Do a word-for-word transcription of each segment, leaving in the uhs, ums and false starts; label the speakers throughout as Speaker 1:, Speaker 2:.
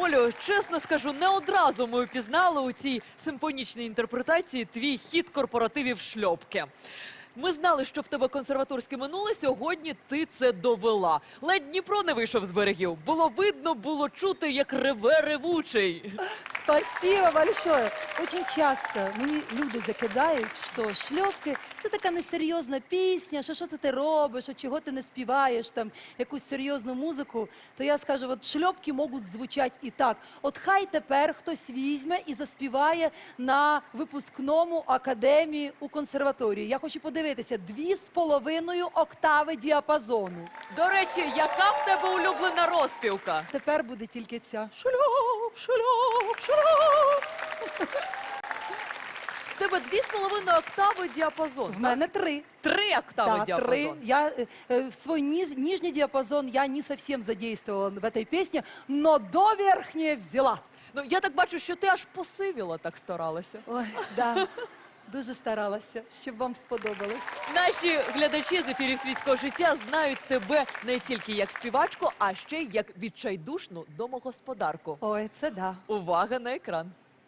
Speaker 1: Олю, чесно скажу, не одразу ми впізнали у цій симфонічній інтерпретації твій хіт корпоративів шльопки. Ми знали, що в тебе консерваторське минуле, сьогодні ти це довела. Ледь Дніпро не вийшов з берегів. Було видно, було чути, як реве ревучий.
Speaker 2: Спасибо большое. Очень часто мені люди закидають, що шльопки – це така несерйозна пісня, що що ти робиш, що чого ти не співаєш, там, якусь серйозну музику. То я скажу, от шльопки можуть звучати і так. От хай тепер хтось візьме і заспіває на випускному академії у консерваторії. Я хочу подивитися, дві з половиною октави діапазону.
Speaker 1: До речі, яка в тебе улюблена розпівка?
Speaker 2: Тепер буде тільки ця. Шльоп, шльоп, шльоп.
Speaker 1: В тебе дві з половиною октави діапазон.
Speaker 2: В мене три.
Speaker 1: Три октави
Speaker 2: Да,
Speaker 1: діапазон.
Speaker 2: три. Я, э, э, в свой низ, нижний диапазон я не совсем задействовала в этой песне, но до верхней взяла.
Speaker 1: Ну, я так бачу, що ти аж посивіла, так старалася.
Speaker 2: Ой, да, дуже старалася, щоб вам сподобалось.
Speaker 1: Наші глядачі з ефірів «Світського життя» знають тебе не тільки як співачку, а ще й як відчайдушну домогосподарку.
Speaker 2: Ой, це да.
Speaker 1: Увага на екран.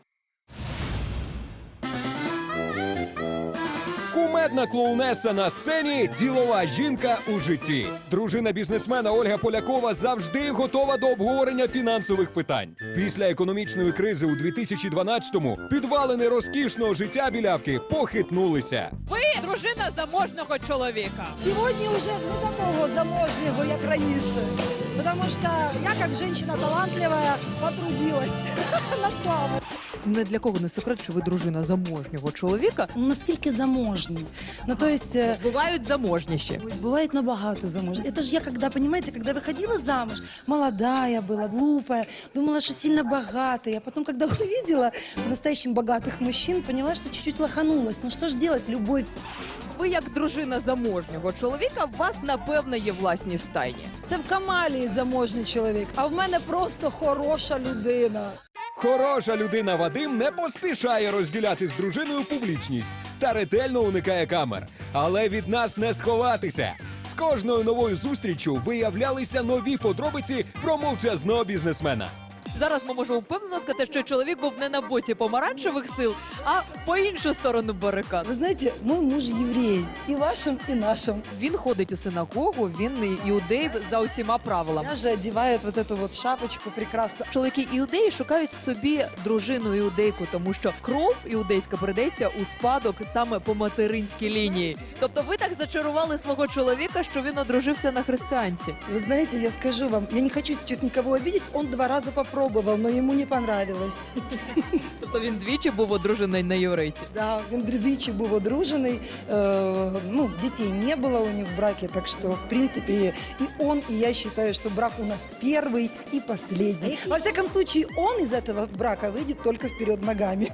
Speaker 3: Кумедна клоунеса на сцені, ділова жінка у житті. Дружина бізнесмена Ольга Полякова завжди готова до обговорення фінансових питань. Після економічної кризи у дві тисячі дванадцятому підвалини розкішного життя білявки похитнулися.
Speaker 4: Ви дружина заможного чоловіка.
Speaker 5: Сегодня уже не такого заможнего, як раніше. Потому что я, как женщина талантливая, потрудилась на славу.
Speaker 1: Не для кого не секрет, що ви дружина заможнього чоловіка.
Speaker 5: Ну, наскільки заможні? Ну, то есть... э,
Speaker 1: Бувають заможніші.
Speaker 5: Ой, бывает набагато замуж. Это же я, когда, понимаете, когда выходила замуж, молодая была, глупая, думала, что сильно богатая. А потом, когда увидела по-настоящему богатых мужчин, поняла, что чуть-чуть лоханулась. Ну что ж делать, любовь.
Speaker 1: Ви як дружина заможнього чоловіка, у вас, напевно, є власні стайні.
Speaker 5: Це в Камалії заможний чоловік, а в мене просто хороша людина.
Speaker 3: Хороша людина Вадим не поспішає розділяти з дружиною публічність та ретельно уникає камер. Але від нас не сховатися. З кожною новою зустріччю виявлялися нові подробиці про мовчазного бізнесмена.
Speaker 1: Зараз ми можемо впевнено сказати, що чоловік був не на боці помаранчевих сил, а по іншу сторону барикад.
Speaker 5: Ви знаєте, мой муж єврей, і вашим, і нашим.
Speaker 1: Він ходить у синагогу, він іудей за усіма правилами.
Speaker 5: Я же одевает вот эту вот шапочку прекрасно.
Speaker 1: Чоловіки іудеї шукають собі дружину іудейку, тому що кров іудейська передається у спадок саме по материнській лінії. Тобто ви так зачарували свого чоловіка, що він одружився на християнці.
Speaker 5: Вы знаете, я скажу вам, я не хочу сейчас никого обидеть, он два раза попробовал, но ему не понравилось.
Speaker 1: Тобто він двічі був одружений на єврейці.
Speaker 5: Да, він двічі був одружений, э, ну, детей не было у них в браке, так что, в принципе, и он, и я считаю, что брак у нас первый и последний. Во всяком случае, он из этого брака выйдет только вперед ногами.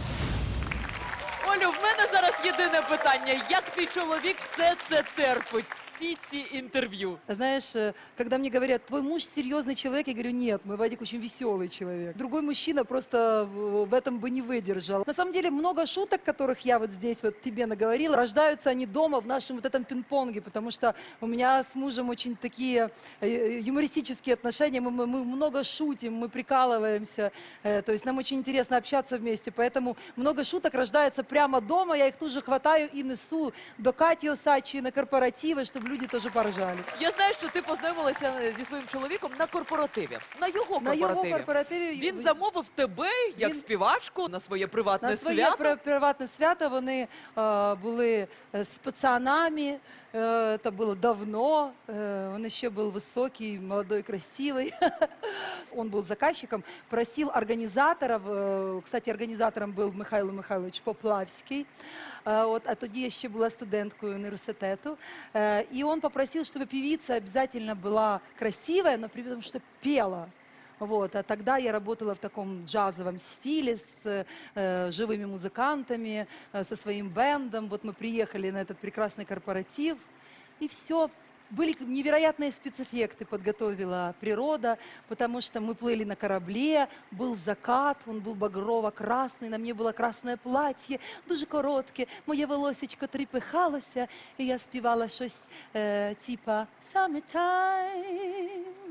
Speaker 1: Олю, в мене зараз єдине питання. Як твій чоловік все це терпить? Всі ці інтерв'ю?
Speaker 2: Знаешь, э, когда мне говорят, твой муж серьезный человек, я говорю, нет, мой Вадик очень веселый человек. Другой мужчина просто в в этом бы не выдержал. На самом деле много шуток, которых я вот здесь вот тебе наговорила, рождаются они дома в нашем вот этом пинг-понге, потому что у меня с мужем очень такие э, юмористические отношения, мы, мы- мы много шутим, мы прикалываемся, э, то есть нам очень интересно общаться вместе, поэтому много шуток рождается прямо дома, я их тут же хватаю и несу до Кати Осадчей на корпоративы, чтобы люди тоже поржали.
Speaker 1: Я знаю, що ти познайомилася зі своїм чоловіком на корпоративі. На його
Speaker 2: На
Speaker 1: корпоративі.
Speaker 2: його корпоративі
Speaker 1: Він замовив тебе як
Speaker 2: Він-
Speaker 1: співачку на своє приватне
Speaker 2: на своє
Speaker 1: свято.
Speaker 2: при- приватне свято. Вони е, були е, з пацанами, е, це було давно, е, він ще був високий, молодой, красивий. Он был заказчиком, просил организаторов, э, кстати, организатором был Михайло Михайлович Поплавський, э, вот, а тоді я ще була студенткою університету, э, и он попросил, чтобы певица обязательно была красивая, но при этом, что пела. Вот, а тогда я работала в таком джазовом стиле с э, живыми музыкантами, э, со своим бендом. Вот мы приехали на этот прекрасный корпоратив, и все. Были невероятные спецэффекты, подготовила природа, потому что мы плыли на корабле, был закат, он был багрово-красный, на мне было красное платье, дуже коротке, моє волосечко трепихалося, і я співала щось е, типа «Summertime,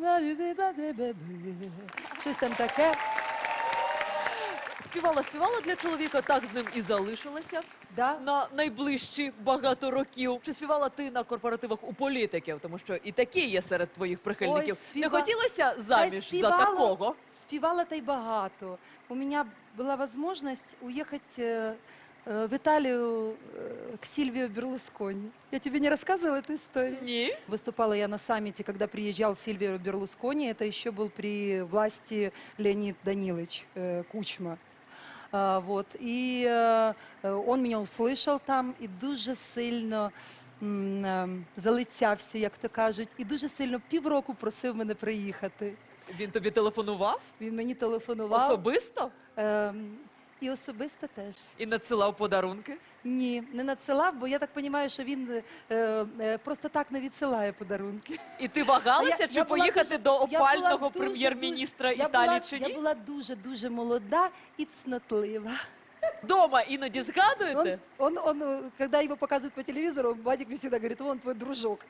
Speaker 2: Щось там таке.
Speaker 1: Співала, співала для чоловіка, так з ним і залишилася
Speaker 2: Да.
Speaker 1: на найближчі багато років. Чи співала ти на корпоративах у політиків? Тому що і такі є серед твоїх прихильників.
Speaker 2: Ой, співа-
Speaker 1: Не хотілося
Speaker 2: Та й
Speaker 1: заміж за
Speaker 2: співала.
Speaker 1: такого?
Speaker 2: Співала та й багато. У меня была возможность уехать э, э, в Италию э, к Сильвио Берлускони. Я тебе не рассказывала эту историю?
Speaker 1: Ні.
Speaker 2: Выступала я на саммите, когда приезжал Сильвио Берлускони. Это еще был при власти Леонид Данилович э, Кучма. А, вот. И э, э, он меня услышал там і дуже сильно м, е, залицявся, як то кажуть, і дуже сильно півроку просив мене приїхати.
Speaker 1: Він тобі телефонував
Speaker 2: Він мені телефонував.
Speaker 1: особисто
Speaker 2: Ем, і особисто теж.
Speaker 1: і надсилав подарунки?
Speaker 2: Ні, не надсилав, бо я так розумію, що він е, е, просто так не відсилає подарунки.
Speaker 1: І ти вагалася,
Speaker 2: Я-
Speaker 1: чи
Speaker 2: я була
Speaker 1: поїхати
Speaker 2: дуже-
Speaker 1: до
Speaker 2: я була
Speaker 1: опального
Speaker 2: дуже,
Speaker 1: прем'єр-міністра
Speaker 2: Я
Speaker 1: Італії
Speaker 2: була,
Speaker 1: чи
Speaker 2: я
Speaker 1: ні?
Speaker 2: була дуже-дуже молода і цнотлива.
Speaker 1: Дома іноді згадуєте?
Speaker 2: Он, он, он, э, когда его показывают по телевизору, Вадик мне всегда говорит, вон твой дружок.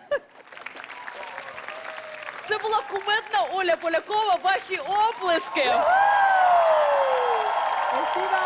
Speaker 1: Це була кумедна Оля Полякова. Ваші оплески!
Speaker 2: Спасибо.